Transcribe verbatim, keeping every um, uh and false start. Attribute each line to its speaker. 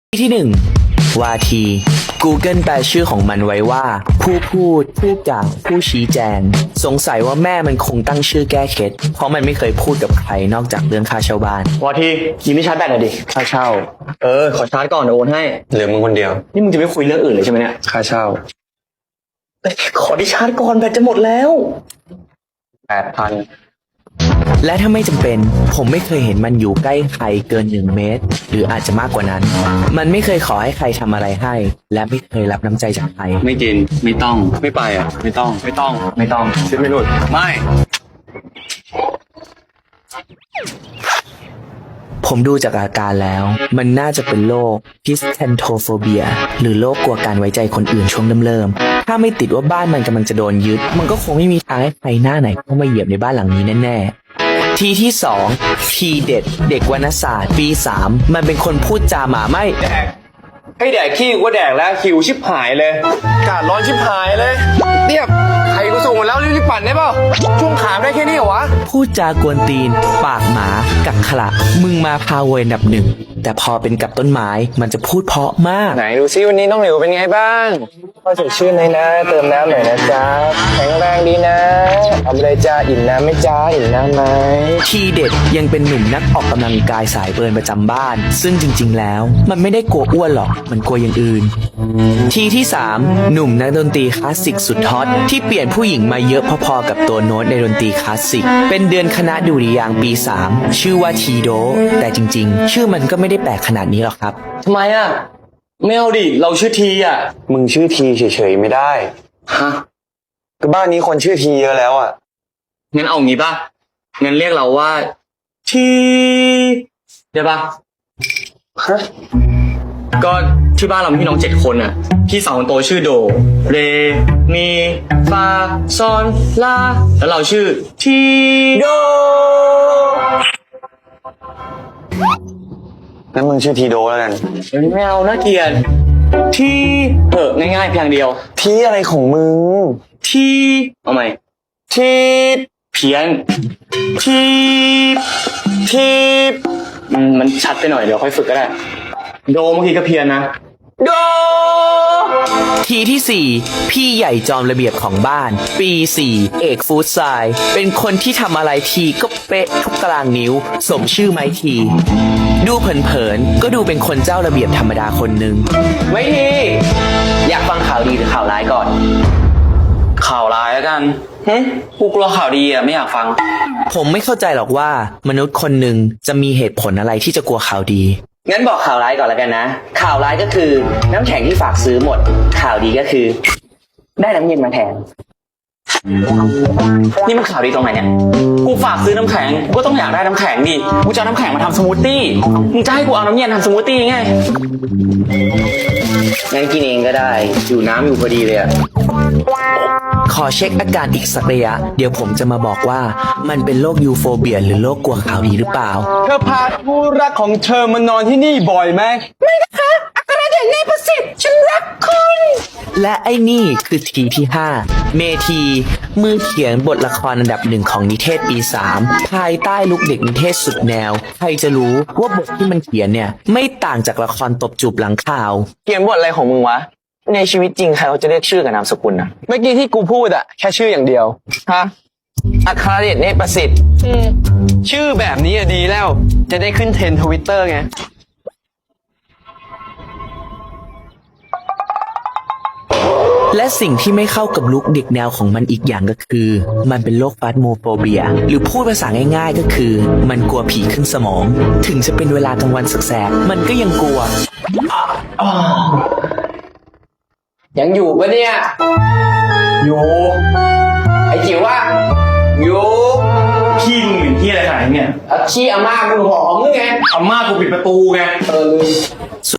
Speaker 1: ที่หนึ่งวาที Google แปลชื่อของมันไว้ว่าผู้พูดผู้กล่าวผู้ชี้แจงสงสัยว่าแม่มันคงตั้งชื่อแก้เคล็ดเพราะมันไม่เคยพูดกับใครนอกจากเรื่องค่าเช่าบ้าน
Speaker 2: วาทียืมไม่ชาร์จแบตหน่อยดิค่าเช่าเออขอชาร์จก่อนเดี๋ยวโอนให้
Speaker 3: เหลือมึงคนเดียว
Speaker 2: นี่มึงจะไม่คุยเรื่องอื่นเลยใช่ไหมเนี่ย
Speaker 3: ค่าเช่า
Speaker 2: ขอดิชาร์จก่อนแบตจะหมดแล้ว
Speaker 3: แปดพัน
Speaker 1: และถ้าไม่จำเป็นผมไม่เคยเห็นมันอยู่ใกล้ใครเกินหนึ่งเมตรหรืออาจจะมากกว่านั้นมันไม่เคยขอให้ใครทำอะไรให้และไม่เคยรับน้ำใจจากใคร
Speaker 3: ไม่กินไม่ต้องไม่ไปอ่ะไม่ต้องไม่ต้อง
Speaker 2: ไม่ต้อง
Speaker 3: ชิดไม่หลุดไม่
Speaker 1: ผมดูจากอาการแล้วมันน่าจะเป็นโรค Hysterophobia หรือโรคกลัวการไว้ใจคนอื่นช่วงเริ่มๆถ้าไม่ติดว่าบ้านมันกำลังจะโดนยึดมันก็คงไม่มีทางให้ใครหน้าไหนเข้ามาเหยียบในบ้านหลังนี้แน่ๆทีที่สองทีเด็ดเด็กวรรณศาสตร์ปีสามมันเป็นคนพูดจาหมาไม่
Speaker 3: แดกให้แดกขี้ก็แดกแล้วหิวชิบหายเลยอากาศร้อนชิบหายเลยเนี่ยใครกูส่งมาแล้วรีบๆปั่นได้เปล่าช่วงขามได้แค่นี้เหรอวะ
Speaker 1: พูดจากวนตีนปากหมากักขระมึงมาพาเวอันดับหนึ่งแต่พอเป็นกับต้นไม้มันจะพูดเพราะมาก
Speaker 3: ไหนดูซิวันนี้น้องหลิวเป็นไงบ้างพ่อสดชื่นเลยนะเติมน้ำหน่อยนะจ๊ะแข็งแรงดีนะเอาไปเลยจ้าอิ่มน้ำไหมจ้าอิ่มน้ำไหม
Speaker 1: ทีเด็ดยังเป็นหนุ่มนักออกกำลังกายสายเบิร์นประจำบ้านซึ่งจริงๆแล้วมันไม่ได้กลัวอ้วนหรอกมันกลัวอย่างอื่นทีที่สามหนุ่มนักดนตรีคลาสสิกสุดฮอตที่เปลี่ยนผู้หญิงมาเยอะพอๆกับตัวโน้ตในดนตรีคลาสสิกเป็นเดือนคณะดุริยางค์ปีสามชื่อว่าทีโดแต่จริงๆชื่อมันก็ไม่ได้แปลกขนาดนี้หรอกครับ
Speaker 2: ทำไมอ่ะไม่เอาดิเราชื่อทีอ่ะ
Speaker 3: มึงชื่อทีเฉยๆไม่ได้
Speaker 2: ฮะ
Speaker 3: ก็บ้านนี้คนชื่อทีเยอะแล้วอ่ะ
Speaker 2: งั้นเอางี้ป่ะงั้นเรียกเราว่าทีได้ป่ะฮะก็ที่บ้านเรามีพี่น้องเจ็ดคนอ่ะพี่สาวคนโตชื่อโดเรมีฟาซอนลาแล้วเราชื่อทีโด
Speaker 3: งั้นมึงชื่อทีโดแล้วกัน
Speaker 2: ไม่เอาน่าเกลียดทีเออง่ายๆเพียงเดียว
Speaker 3: ทีอะไรของมึง
Speaker 2: ทีเอาใหม่ทีเพี้ยนทีทีมันชัดไปหน่อยเดี๋ยวค่อยฝึกก็ได้โดเมื่อกี้ก็เพี้ยนนะโด
Speaker 1: ทีที่สี่พี่ใหญ่จอมระเบียบของบ้านปีสี่เอกฟู้ดไซด์เป็นคนที่ทำอะไรทีก็เป๊ะทุกตารางนิ้วสมชื่อไม้ทีดูเผินๆก็ดูเป็นคนเจ้าระเบียบธรรมดาคนหนึ่ง
Speaker 2: ไม้ทีอยากฟังข่าวดีหรือข่าวร้ายก่อนข่าวร้ายแล้วกันฮึกูกลัวข่าวดีอ่ะไม่อยากฟัง
Speaker 1: ผมไม่เข้าใจหรอกว่ามนุษย์คนหนึ่งจะมีเหตุผลอะไรที่จะกลัวข่าวดี
Speaker 2: งั้นบอกข่าวร้ายก่อนแล้วกันนะข่าวร้ายก็คือน้ำแข็งที่ฝากซื้อหมดข่าวดีก็คือได้น้ำเย็นมาแทนนี่มันข่าวดีตรงไหนเนี่ยกูฝากซื้อน้ำแข็งกูก็ต้องอยากได้น้ำแข็งดิกูจะเอาน้ำแข็งมาทำสมูทตี้มึงจะให้กูเอาน้ำเย็นทำสมูทตี้ไงงั้นกินเองก็ได้อยู่น้ำอยู่พอดีเลยอะ
Speaker 1: ขอเช็คอาการอีกสักระยะเดี๋ยวผมจะมาบอกว่ามันเป็นโรคยูโฟเบียหรือโรคกลัวข่าวดีหรือเปล่า
Speaker 3: เธอพาผู้รักของเธอมานอนที่นี่บ่อยไหม
Speaker 1: ไม่นะคะอัครเดชเนประสิทธิ์ฉันรักคุณและไอ้นี่คือทีที่ห้าเมทีมือเขียนบทละครอันดับหนึ่งของนิเทศปีสามภายใต้ลุคเด็กนิเทศสุดแนวใครจะรู้ว่าบทที่มันเขียนเนี่ยไม่ต่างจากละครตบจูบหลังข่าว
Speaker 3: เขียนบทอะไรของมึงวะในชีวิตจริงใครเขาจะเรียกชื่อกับนามสกุลนะเมื่อกี้ที่กูพูดอะแค่ชื่ออย่างเดียวฮะอัครเดชเนตรประสิทธิ์ชื่อแบบนี้อะดีแล้วจะได้ขึ้นเทรนด์ทวิตเตอร์ไง
Speaker 1: และสิ่งที่ไม่เข้ากับลุคเด็กแนวของมันอีกอย่างก็คือมันเป็นโรคฟาสโมโฟเบียหรือพูดภาษาง่ายๆก็คือมันกลัวผีขึ้นสมองถึงจะเป็นเวลากลางวันแสกๆมันก็ยังกลัว
Speaker 2: ยังอยู่ปะเนี่ยอยู่ไอ้จิ๋วว่าอยู่
Speaker 3: ขี้มึงเป็นขี้อะไรขนาดนี้เนี่ย
Speaker 2: ขี้อาม่ากูหอมมึงไง
Speaker 3: อาม่ากูปิดประตูไง
Speaker 2: เออ